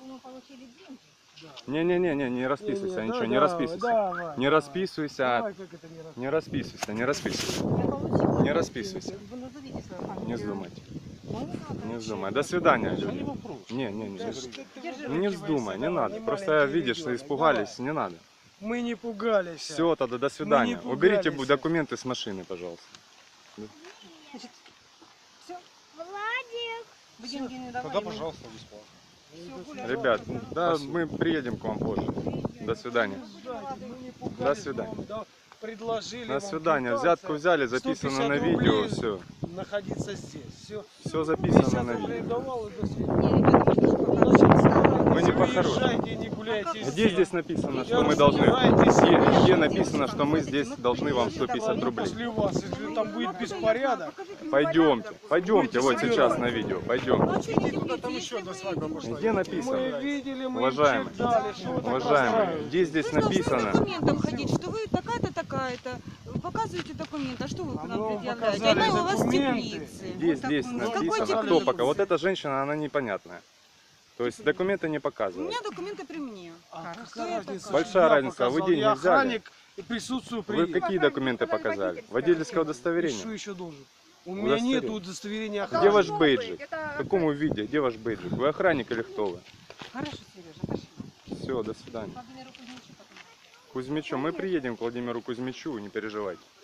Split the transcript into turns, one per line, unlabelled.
мы получили деньги.
Не-не-не, не расписывайся, ничего, не расписывайся. Не расписывайся, не расписывайся, не расписывайся.
Я получила.
Не расписывайся.
Вы назовите свою фамилию.
Не вздумайте.
Ну, не надо.
Не вздумай. До свидания,
Не
люди.
вопрос.
Не вздумай, не надо. Просто видишь, что испугались, не надо.
Мы не пугались.
Все, тогда до свидания.
не
Уберите
пугались.
документы с машины, пожалуйста.
Значит, все,
Владик.
вы деньги не давали.
Тогда,
мы-
пожалуйста, бесплатно.
Всё, гуляй.
Ребят, да, мы приедем к вам позже. До свидания.
Мы не пугались,
До свидания.
вам, да, предложили
До
вам
свидания.
квитанция,
Взятку взяли, записано
150
на видео,
рублей
все.
находиться здесь. Все.
Все записано
50
на
рублей
видео.
давал и до свидания.
Не, ребята, мы же пока-
Вы не по-хорошему.
Езжайте, не гуляйте
Где
здесь.
здесь написано, что
Я
мы должны...
разбирайтесь.
Где написано, что мы здесь должны вам 150 рублей?
После вас, если там будет беспорядок,
Пойдемте, пойдемте, вот сейчас на видео, пойдем.
там еще до свадьбы пошла.
Где
Мы
написано?
видели, мы
Уважаемый,
им читали, что вы так
Уважаемые,
расстраиваетесь.
где здесь
Вы должны с
написано?
документом ходить, что вы такая-то, такая-то. Показываете документ, а что вы к
А
нам
мы
предъявляете?
показали
Она у вас в
документы.
теплице.
Здесь
Вот такой.
написано,
теплице?
кто пока. Вот эта женщина, она непонятная. То есть документы не
У
показывают.
меня документы при мне.
А
Кто
какая
я
разница,
такая?
Большая
я
разница, а вы
показал.
деньги
Я
взяли?
охранник и присутствую при...
Вы какие документы показали? Водительское
И что
удостоверение?
еще должен? У меня нет
Удостоверение.
удостоверения
Где
охранника.
ваш бейджик? В каком виде? Где ваш бейджик? Вы охранник или кто вы?
Хорошо, Сережа, пошли.
Все, до свидания.
Владимиру Кузьмичу потом.
Кузьмичу, мы приедем к Владимиру Кузьмичу, не переживайте.